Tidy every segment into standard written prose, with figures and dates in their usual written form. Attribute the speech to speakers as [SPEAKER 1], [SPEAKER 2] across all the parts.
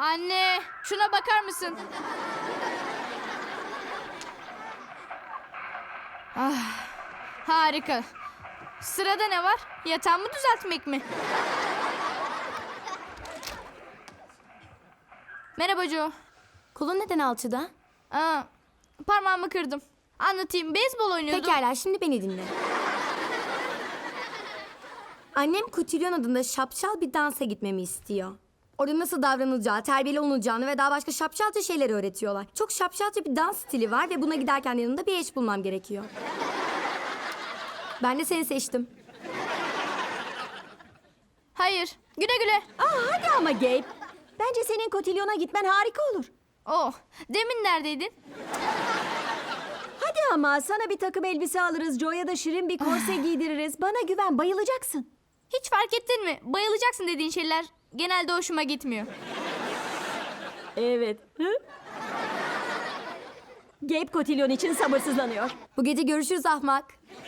[SPEAKER 1] Anne, şuna bakar mısın? Ah, harika. Sırada ne var? Yatağımı düzeltmek mi? Merhaba Joe.
[SPEAKER 2] Kolun neden alçıda?
[SPEAKER 1] Aa, parmağımı kırdım. Anlatayım. Beyzbol oynuyordum.
[SPEAKER 2] Pekala, şimdi beni dinle. Annem kotilyon adında şapşal bir dansa gitmemi istiyor. Orada nasıl davranılacağı, terbiyeli olunacağını ve daha başka şapşalca şeyler öğretiyorlar. Çok şapşalca bir dans stili var ve buna giderken yanımda bir eş bulmam gerekiyor. Ben de seni seçtim.
[SPEAKER 1] Hayır. Güle güle.
[SPEAKER 3] Hadi ama Gabe. Bence senin kotilyona gitmen harika olur.
[SPEAKER 1] Oh, demin neredeydin?
[SPEAKER 3] Hadi ama sana bir takım elbise alırız. Joe'ya da şirin bir korse giydiririz. Bana güven, bayılacaksın.
[SPEAKER 1] Hiç fark ettin mi? Bayılacaksın dediğin şeyler genelde hoşuma gitmiyor.
[SPEAKER 3] Evet. Gabe kotilyon için sabırsızlanıyor.
[SPEAKER 2] Bu gece görüşürüz ahmak.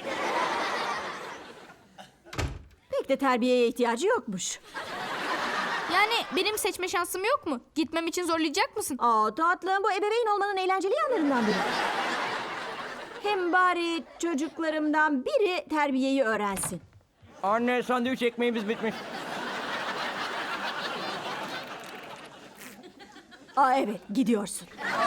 [SPEAKER 3] Pek de terbiyeye ihtiyacı yokmuş.
[SPEAKER 1] Yani benim seçme şansım yok mu? Gitmem için zorlayacak mısın?
[SPEAKER 3] Tatlım, bu ebeveyn olmanın eğlenceli yanlarından biri. Hem bari çocuklarımdan biri terbiyeyi öğrensin.
[SPEAKER 4] Anne, sandviç ekmeğimiz bitmiş.
[SPEAKER 3] Evet, gidiyorsun.